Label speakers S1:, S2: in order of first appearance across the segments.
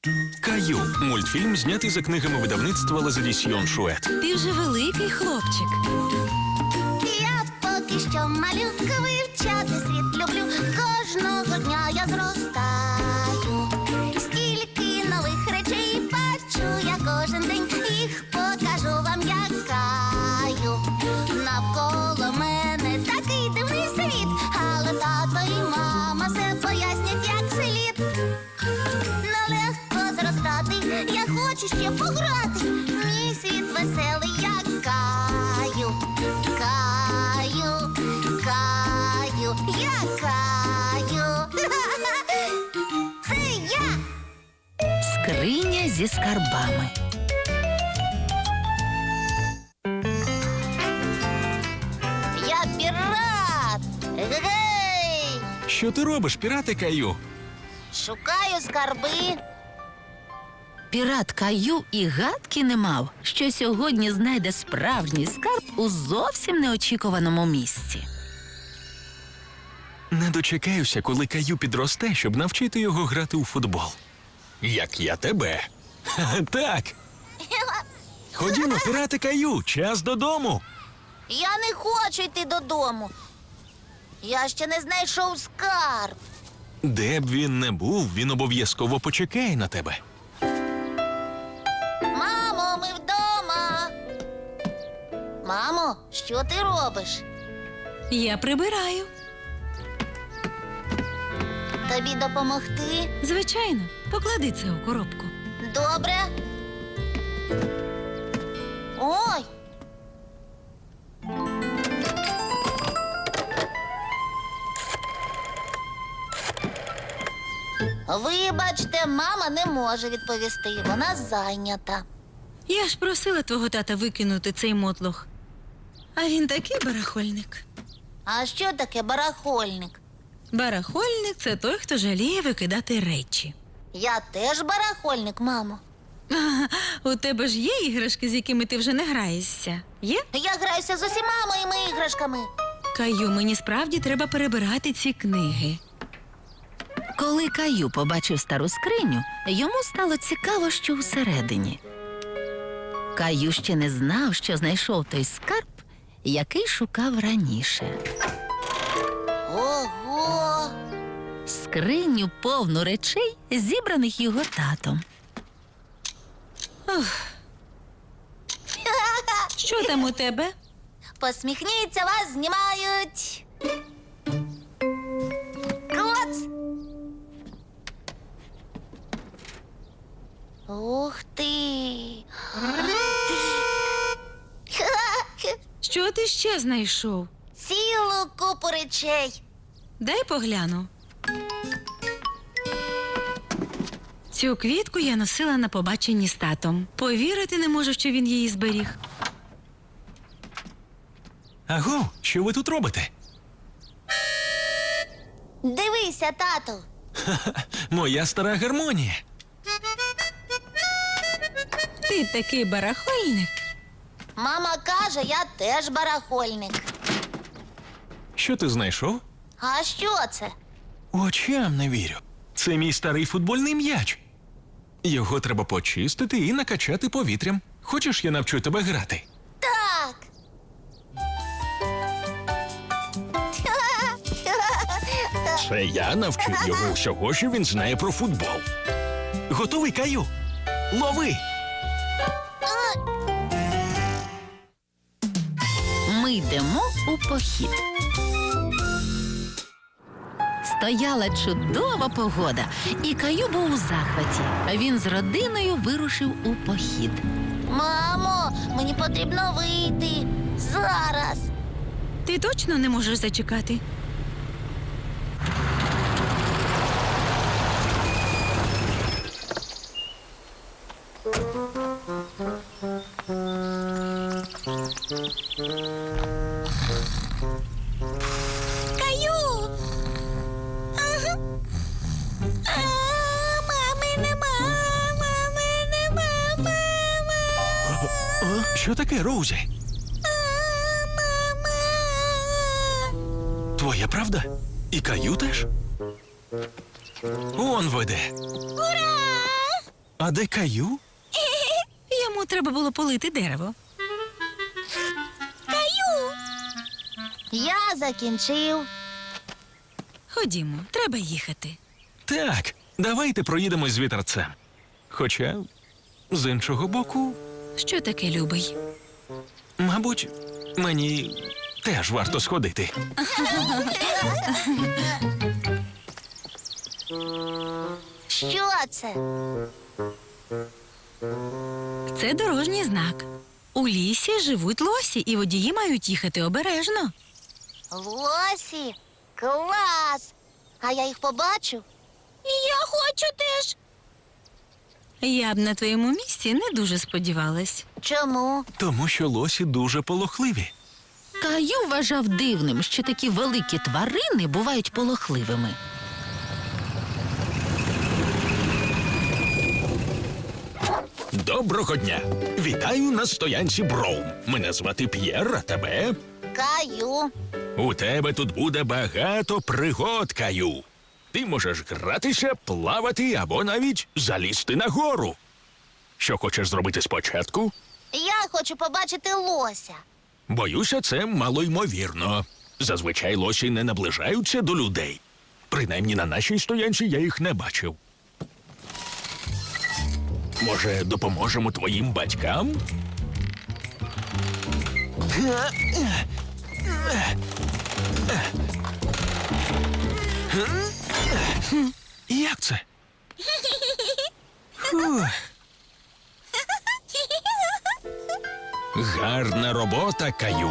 S1: Каю. Мультфільм, знятий за книгами видавництва Лазадісьйон Шует.
S2: Ти вже великий хлопчик.
S3: Я поки що малюка, вивчати світ люблю. Кожного дня я зростаю. Стільки нових речей бачу я кожен день. Їх покажу вам, як Каю. Навколо мене такий дивний світ. Але тато і мама все пояснять, як слід. Нелегко зростати, я хочу ще пограти. Мій світ веселий, як Каю. Каю, Каю, я Каю. Це я.
S2: Скриня зі скарбами.
S3: Я пірат. Гей!
S1: Що ти робиш, пірати Каю?
S3: Шукаю скарби.
S2: Пірат Каю і гадки не мав, що сьогодні знайде справжній скарб у зовсім неочікуваному місці.
S1: Не дочекаюся, коли Каю підросте, щоб навчити його грати у футбол. Як я тебе. Так. Ходімо, пірати Каю, час додому.
S3: Я не хочу йти додому. Я ще не знайшов скарб.
S1: Де б він не був, він обов'язково почекає на тебе.
S3: Мамо, ми вдома. Мамо, що ти робиш?
S4: Я прибираю.
S3: Тобі допомогти?
S4: Звичайно, поклади це у коробку.
S3: Добре. Ой. Вибачте, мама не може відповісти. Вона зайнята.
S4: Я ж просила твого тата викинути цей мотлох. А він такий барахольник.
S3: А що таке барахольник?
S4: Барахольник – це той, хто жаліє викидати речі.
S3: Я теж барахольник, мамо.
S4: У тебе ж є іграшки, з якими ти вже не граєшся? Є?
S3: Я граюся з усіма моїми іграшками.
S4: Каю, мені справді треба перебирати ці книги.
S2: Коли Каю побачив стару скриню, йому стало цікаво, що всередині. Каю ще не знав, що знайшов той скарб, який шукав раніше.
S3: Ого!
S2: Скриню повну речей, зібраних його татом.
S4: Що там у тебе?
S3: Посміхніться, вас знімають. Клац! Ух ти!
S4: Що ти ще знайшов?
S3: Цілу купу речей.
S4: Дай погляну. Цю квітку я носила на побаченні з татом. Повірити не можу, що він її зберіг.
S1: Аго, що ви тут робите?
S3: Дивися, тату.
S1: Моя стара гармонія.
S4: Ти такий барахольник.
S3: Мама каже, я теж барахольник.
S1: Що ти знайшов?
S3: А що це?
S1: Очам не вірю. Це мій старий футбольний м'яч. Його треба почистити і накачати повітрям. Хочеш, я навчу тебе грати?
S3: Так.
S1: Це я навчив його всього, що він знає про футбол. Готовий, Каю? Лови!
S2: Ми йдемо у похід. Стояла чудова погода, і Каю був у захваті. Він з родиною вирушив у похід.
S3: Мамо, мені потрібно вийти. Зараз.
S4: Ти точно не можеш зачекати?
S3: Каю! Ага. Мами нема, мами нема, мама.
S1: Що таке, Роузі?
S3: Мама.
S1: Твоя правда? І Каю теж? Он веде.
S3: Ура!
S1: А де Каю?
S4: Йому треба було полити дерево.
S3: Я закінчив.
S4: Ходімо, треба їхати.
S1: Так, давайте проїдемось з вітерцем. Хоча, з іншого боку,
S4: Що таке, любий?
S1: мабуть, мені теж варто сходити.
S3: Що це?
S4: Це дорожній знак. У лісі живуть лосі, і водії мають їхати обережно.
S3: Лосі? Клас! А я їх побачу? Я хочу теж.
S4: Я б на твоєму місці не дуже сподівалась.
S3: Чому?
S1: Тому що лосі дуже полохливі.
S2: Каю вважав дивним, що такі великі тварини бувають полохливими.
S1: Доброго дня! Вітаю на стоянці Броум. Мене звати П'єр, а тебе?
S3: Каю.
S1: У тебе тут буде багато пригод, Каю. Ти можеш гратися, плавати або навіть залізти на гору. Що хочеш зробити спочатку?
S3: Я хочу побачити лося.
S1: Боюся, це малоймовірно. Зазвичай лосі не наближаються до людей. Принаймні на нашій стоянці я їх не бачив. Може, допоможемо твоїм батькам? Як це? Фух. Гарна робота, Каю.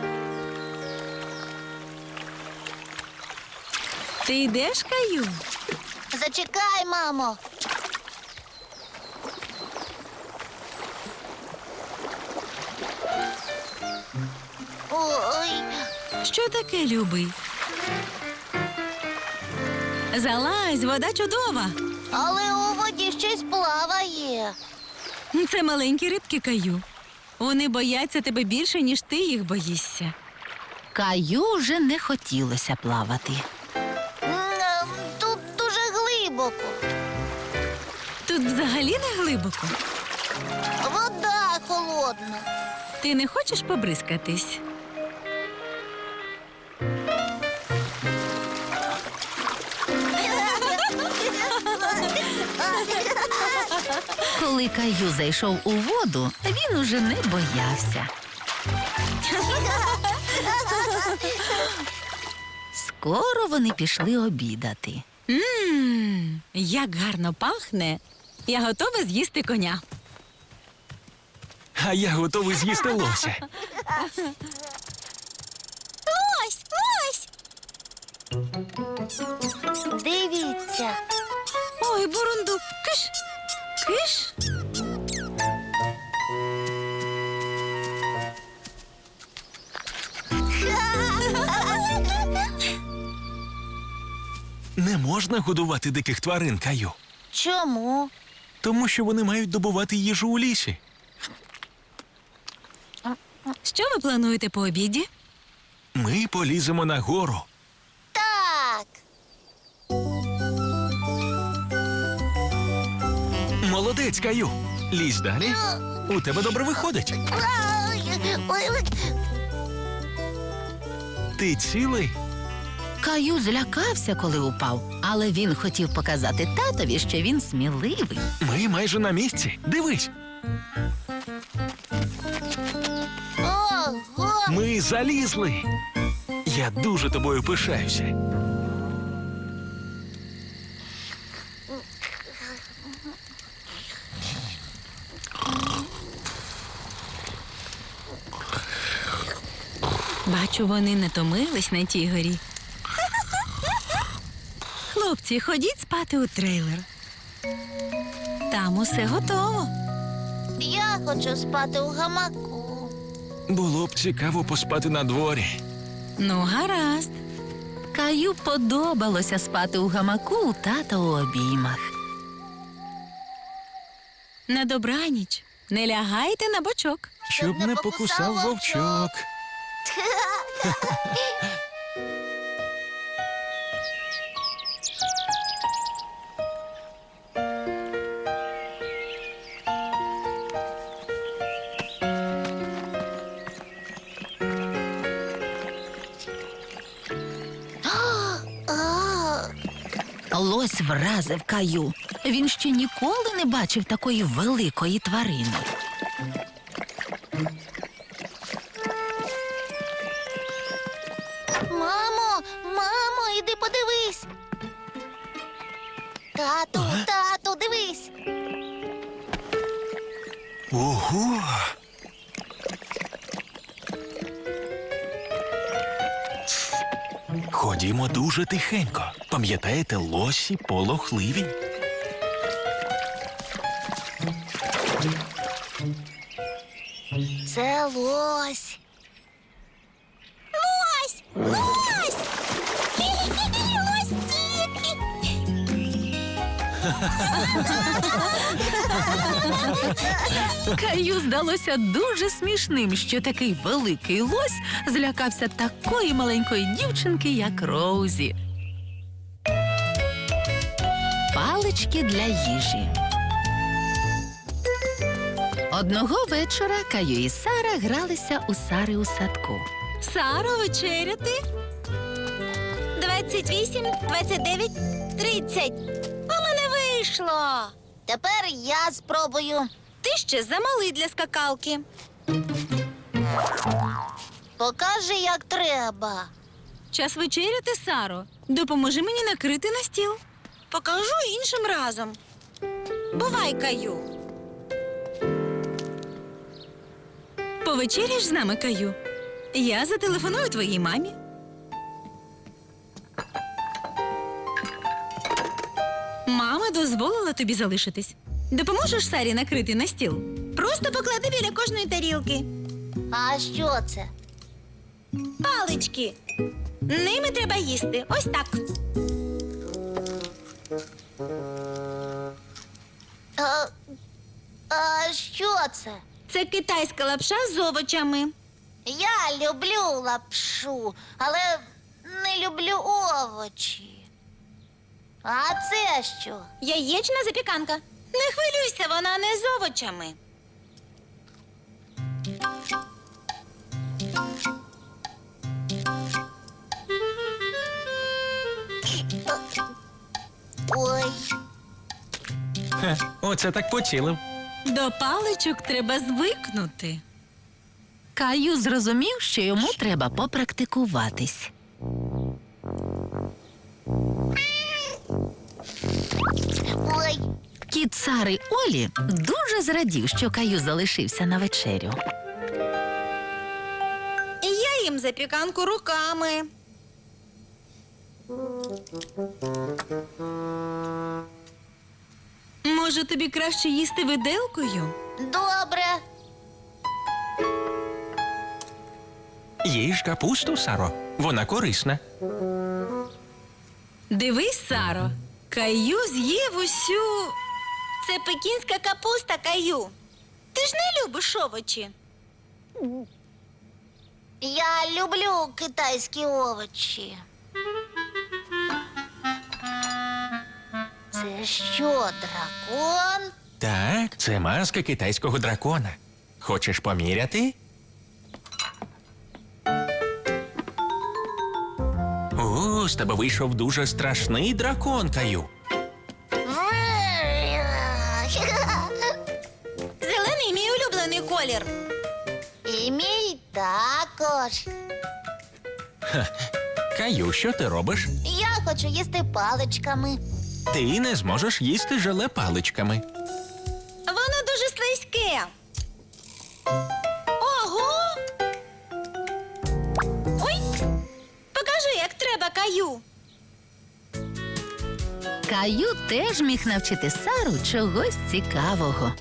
S4: Ти йдеш, Каю?
S3: Зачекай, мамо. Ой,
S4: Що таке, любий? Залазь, вода чудова.
S3: але у воді щось плаває.
S4: Це маленькі рибки, Каю. Вони бояться тебе більше, ніж ти їх боїшся.
S2: Каю вже не хотілося плавати.
S3: Тут дуже глибоко.
S4: Тут взагалі не глибоко.
S3: Вода холодна.
S4: Ти не хочеш побризкатись?
S2: Коли Каю зайшов у воду, він уже не боявся. Скоро вони пішли обідати.
S4: Як гарно пахне. Я готова з'їсти коня.
S1: А я готовий з'їсти лося.
S3: Лось, лось! Дивіться.
S4: Ой, бурундук, киш, киш.
S1: Не можна годувати диких тварин, Каю.
S3: Чому?
S1: Тому що вони мають добувати їжу у лісі.
S4: Що ви плануєте по обіді?
S1: Ми поліземо на гору.
S3: Так.
S1: Молодець, Каю. Лізь далі. У тебе добре виходить.
S3: Ой.
S1: Ти цілий?
S2: Каю злякався, коли упав, але він хотів показати татові, що він сміливий.
S1: Ми майже на місці. Дивись,
S3: Ого!
S1: ми залізли. Я дуже тобою пишаюся.
S4: Бачу, вони не томились на тій горі. Хлопці, ходіть спати у трейлер. Там усе готово.
S3: Я хочу спати у гамаку.
S1: Було б цікаво поспати на дворі.
S4: Ну, гаразд.
S2: Каю подобалося спати у гамаку у тата у обіймах.
S4: На добраніч. Не лягайте на бочок.
S1: Щоб не покусав вовчок.
S2: лось вразив Каю. Він ще ніколи не бачив такої великої тварини.
S3: Мамо, іди подивись. Тату, дивись.
S1: Ого! Ходімо дуже тихенько. Пам'ятаєте, лосі полохливі?
S3: Це лось. Лось! Лось! Лось!
S2: Каю здалося дуже смішним, що такий великий лось злякався такої маленької дівчинки, як Роузі. Палички для їжі. Одного вечора Каю і Сара гралися у Сари у садку.
S4: Саро, вечеряти?
S3: 28, 29, 30. У мене вийшло. Тепер я спробую.
S4: Ти ще замалий для скакалки.
S3: Покажи, як треба.
S4: Час вечеряти, Саро. Допоможи мені накрити на стіл. Покажу іншим разом. Бувай, Каю. Повечеряєш з нами, Каю? Я зателефоную твоїй мамі. Мама дозволила тобі залишитись. Допоможеш Сарі накрити на стіл? Просто поклади біля кожної тарілки.
S3: А що це?
S4: Палички. Ними треба їсти. Ось так.
S3: А що це?
S4: Це китайська лапша з овочами.
S3: Я люблю лапшу, але не люблю овочі. А це що?
S4: Яєчна запіканка. Не хвилюйся, вона не з овочами.
S3: Ой,
S1: Хе, оце так поцілив.
S4: До паличок треба звикнути.
S2: Каю зрозумів, що йому треба попрактикуватись.
S3: ой,
S2: Кіт Сари Олі дуже зрадів, що Каю залишився на вечерю.
S4: Я їм запіканку руками. Може, тобі краще їсти виделкою?
S3: добре.
S1: Їж капусту, Саро. Вона корисна.
S4: Дивись, Саро, Каю з'їв усю. Це пекінська капуста, Каю. Ти ж не любиш овочі.
S3: Я люблю китайські овочі. Це що, дракон?
S1: Так, це маска китайського дракона. Хочеш поміряти? О, з тебе вийшов дуже страшний дракон, Каю.
S4: Зелений мій улюблений колір.
S3: І мій також.
S1: Каю, що ти робиш?
S3: Я хочу їсти паличками.
S1: Ти не зможеш їсти желе паличками.
S4: Воно дуже слизьке. Ого! Ой! Покажи, як треба, Каю.
S2: Каю теж міг навчити Сару чогось цікавого.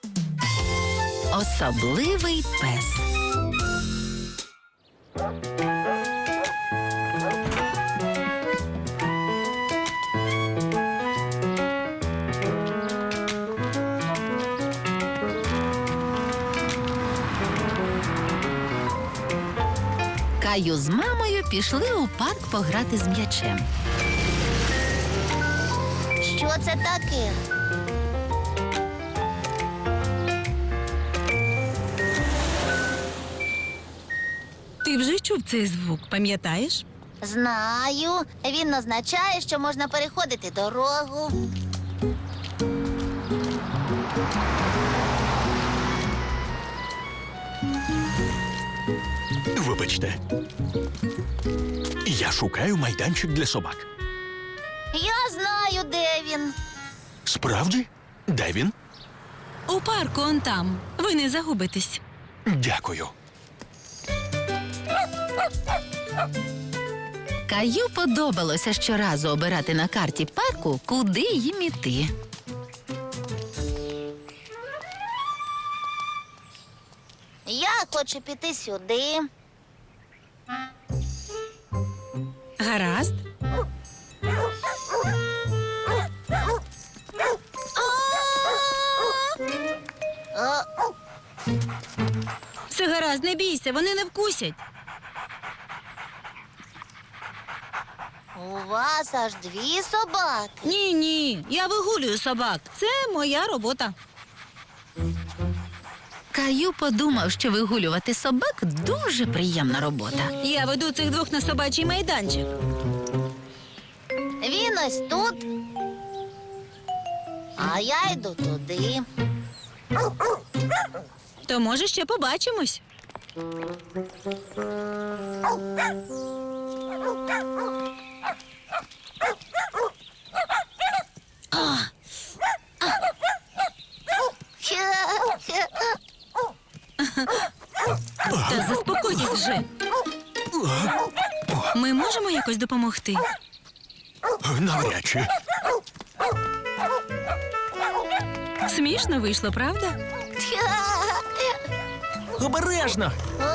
S2: Особливий пес. Каю з мамою пішли у парк пограти з м'ячем.
S3: Що це таке?
S4: Ти вже чув цей звук, пам'ятаєш?
S3: Знаю. Він означає, що можна переходити дорогу.
S1: Вибачте. Я шукаю майданчик для собак.
S3: Я знаю, де він.
S1: Справді? Де він?
S4: У парку он там. Ви не загубитесь.
S1: Дякую.
S2: Каю подобалося щоразу обирати на карті парку, куди їм іти.
S3: Я хочу піти сюди.
S4: Гаразд.
S3: О,
S4: Все гаразд, не бійся, вони не вкусять.
S3: у вас аж 2 собаки.
S4: Ні, я вигулюю собак. Це моя робота.
S2: Каю подумав, що вигулювати собак дуже приємна робота.
S4: Я веду цих двох на собачий майданчик.
S3: Він ось тут. А я йду туди.
S4: То може ще побачимось. Та заспокойтесь вже. Ми можемо якось допомогти?
S1: Навряд чи.
S4: Смішно вийшло, правда?
S1: Обережно.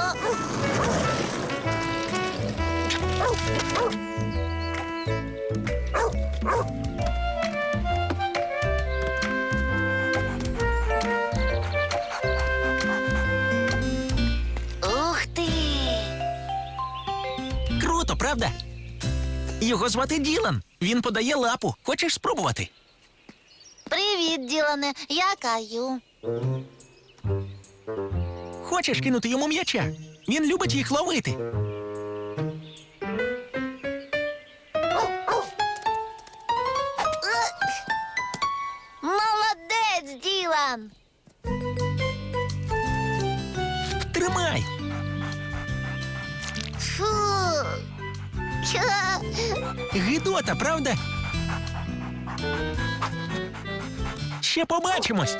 S3: Ух ти!
S5: Круто, правда? Його звати Ділан. Він подає лапу. Хочеш спробувати?
S3: Привіт, Ділане. Я Каю.
S5: Хочеш кинути йому м'яча? Він любить їх ловити.
S3: Молодець, Ділан!
S5: Тримай.
S3: Фу.
S5: Гидота, правда? Ще побачимось.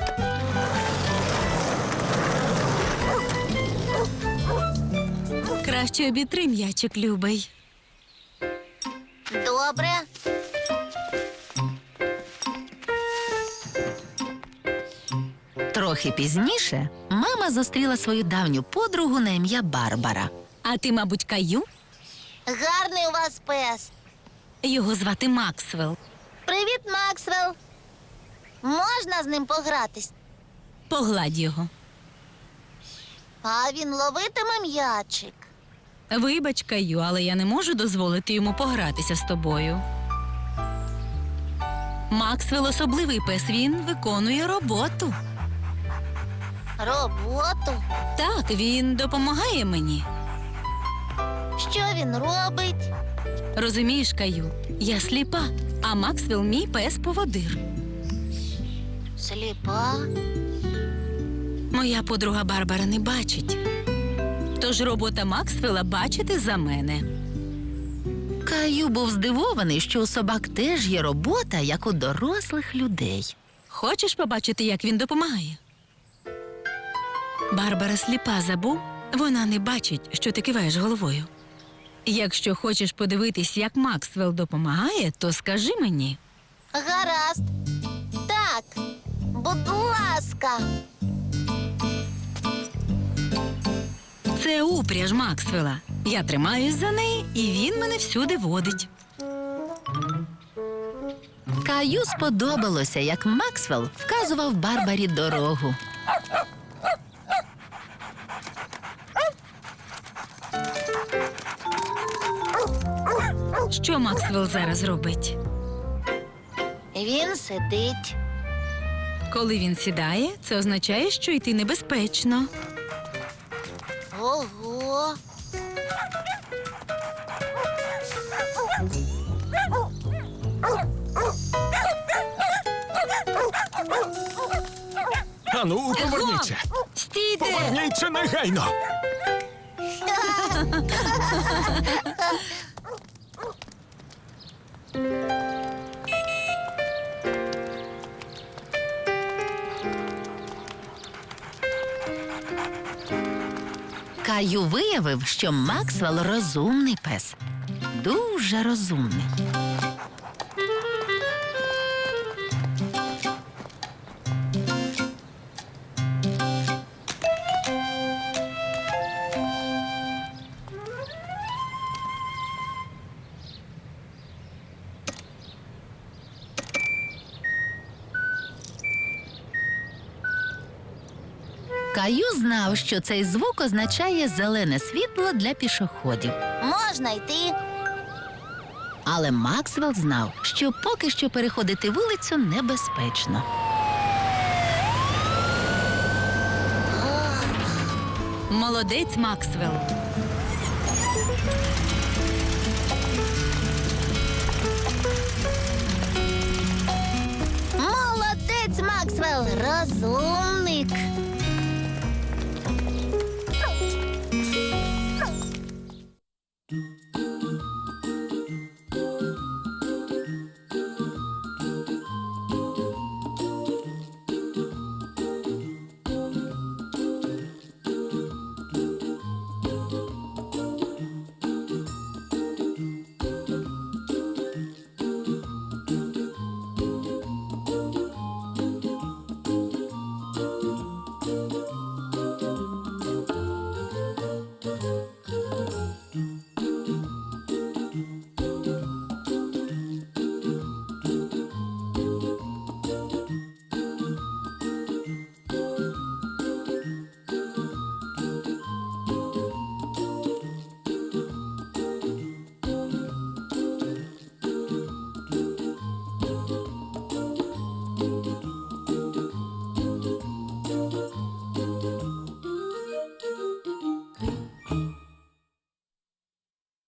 S4: Краще обітри м'ячик, любий.
S3: Добре.
S2: Трохи пізніше мама зустріла свою давню подругу на ім'я Барбара.
S4: А ти, мабуть, Каю?
S3: Гарний у вас пес.
S4: Його звати Максвелл.
S3: Привіт, Максвелл. Можна з ним погратись?
S4: Погладь його.
S3: А він ловитиме м'ячик.
S4: Вибач, Каю, але я не можу дозволити йому погратися з тобою. Максвелл особливий пес, він виконує роботу.
S3: Роботу?
S4: Так, він допомагає мені.
S3: Що він робить?
S4: Розумієш, Каю, я сліпа, а Максвелл мій пес-поводир.
S3: Сліпа?
S4: Моя подруга Барбара не бачить. Тож робота Максвелла бачити за мене.
S2: Каю був здивований, що у собак теж є робота, як у дорослих людей.
S4: Хочеш побачити, як він допомагає? Барбара сліпа, забув? Вона не бачить, що ти киваєш головою. Якщо хочеш подивитись, як Максвелл допомагає, то скажи мені.
S3: Гаразд. Так, будь ласка.
S4: Це упряж Максвелла. Я тримаюсь за неї, і він мене всюди водить.
S2: Каю сподобалося, як Максвелл вказував Барбарі дорогу.
S4: Що Максвелл зараз робить?
S3: Він сидить.
S4: Коли він сідає, це означає, що йти небезпечно.
S3: Ого.
S1: Ану, поверніться.
S4: Стійте!
S1: Поверніться негайно.
S2: Каю виявив, що Максвелл розумний пес. Дуже розумний. Каю знав, що цей звук означає зелене світло для пішоходів.
S3: Можна йти.
S2: Але Максвелл знав, що поки що переходити вулицю небезпечно.
S4: Молодець, Максвелл.
S3: Молодець, Максвелл, розумник.